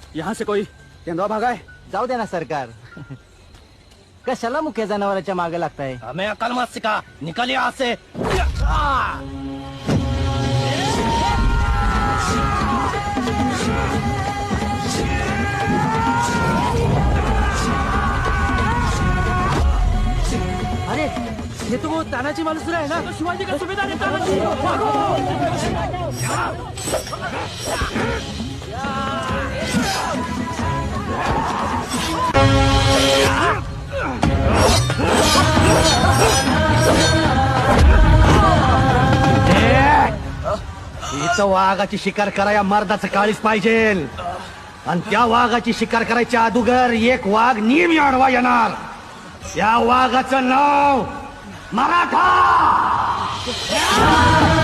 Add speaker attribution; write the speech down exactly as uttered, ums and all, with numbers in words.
Speaker 1: यहाँ से कोई तेंदुआ भागा है।
Speaker 2: जाऊ दे ना सरकार. कशाला मुख्य जनावरांच्या मागे लागताय.
Speaker 3: हमें अकल मत सिखा, निकल यहाँ से.
Speaker 2: अरे ये तो वो तानाजी मालुसरा है ना.
Speaker 1: तो शिवाजी का सुबेदार है तानाजी.
Speaker 3: इथं वाघाची शिकार कराया मर्दाचं काळीच पाहिजे. आणि त्या वाघाची शिकार करायच्या अगोदर एक वाघ नेहमी आडवा येणार. या वाघाचं नाव मराठा.